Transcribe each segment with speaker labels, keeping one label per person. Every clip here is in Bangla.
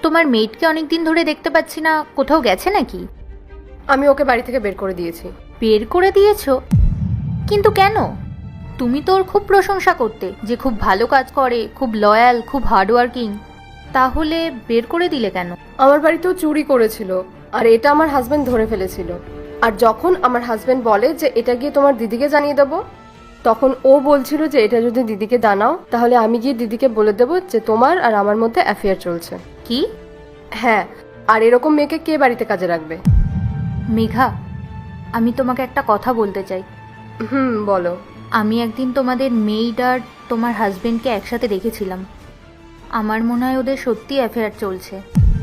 Speaker 1: তোমার মেয়েটকে অনেকদিন ধরে দেখতে পাচ্ছি না, কোথাও গেছে নাকি?
Speaker 2: আমি ওকে বাড়ি থেকে বের করে দিয়েছি।
Speaker 1: বের করে দিয়েছো? কিন্তু কেন? তুমি তো ওর খুব প্রশংসা করতে যে খুব ভালো কাজ করে, খুব লয়াল, খুব হার্ডওয়ার্কিং। তাহলে বের করে দিলে কেন?
Speaker 2: আমার বাড়িতেও চুরি করেছিল, আর এটা আমার হাজবেন্ড ধরে ফেলেছিল। আর যখন আমার হাজবেন্ড বলে যে এটা গিয়ে তোমার দিদিকে জানিয়ে দেবো, তখন ও বলছিল যে এটা যদি দিদিকে জানাও তাহলে আমি গিয়ে দিদিকে বলে দেবো যে তোমার আর আমার মধ্যে অ্যাফেয়ার চলছে।
Speaker 1: কি?
Speaker 2: হ্যাঁ, আর এরকম মেয়েকে কে বাড়িতে কাজে রাখবে?
Speaker 1: মেঘা, আমি তোমাকে একটা কথা বলতে চাই।
Speaker 2: বলো।
Speaker 1: আমি একদিন তোমাদের মেইড আর তোমার হাজবেন্ডকে একসাথে দেখেছিলাম। আমার মনে হয় ওদের সত্যি অ্যাফেয়ার চলছে।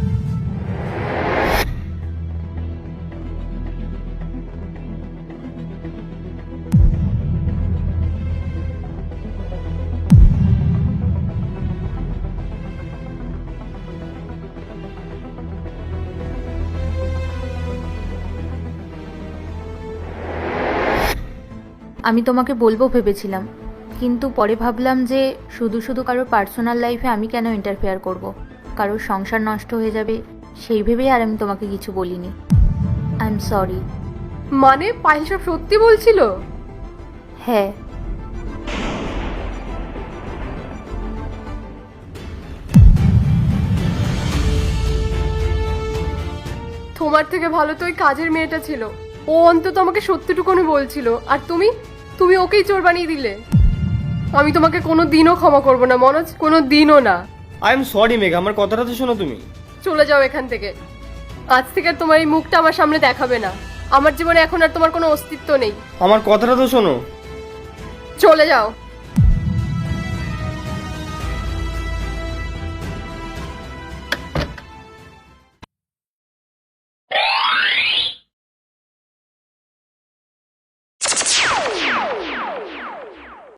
Speaker 1: আমি তোমাকে বলবো ভেবেছিলাম, কিন্তু পরে ভাবলাম যে শুধু শুধু কারোর পার্সোনাল লাইফে আমি কেন ইন্টারফেয়ার করব, কারোর সংসার নষ্ট হয়ে যাবে সেই ভেবেই আর আমি তোমাকে কিছু বলিনি। I am sorry.
Speaker 2: মানে পায়েল সব সত্যি বলছিল?
Speaker 1: হ্যাঁ।
Speaker 2: তোমার থেকে ভালো তো ওই কাজের মেয়েটা ছিল। ও অন্তত আমাকে সত্যিটুকুনি বলছিল, আর তুমি তুমি ওকেই চোর বানিয়ে দিলে। আমি তোমাকে কোনো দিনও ক্ষমা করবো না মনোজ, কোনো দিনও না।
Speaker 3: আই এম সরি মেঘা, আমার কথাটা তো শোনো তুমি।
Speaker 2: চলে যাও এখান থেকে। আজ থেকে আর তোমার এই মুখটা আমার সামনে দেখাবে না। আমার জীবনে এখন আর তোমার কোনো অস্তিত্ব নেই।
Speaker 3: আমার কথাটা তো শোনো।
Speaker 2: চলে যাও।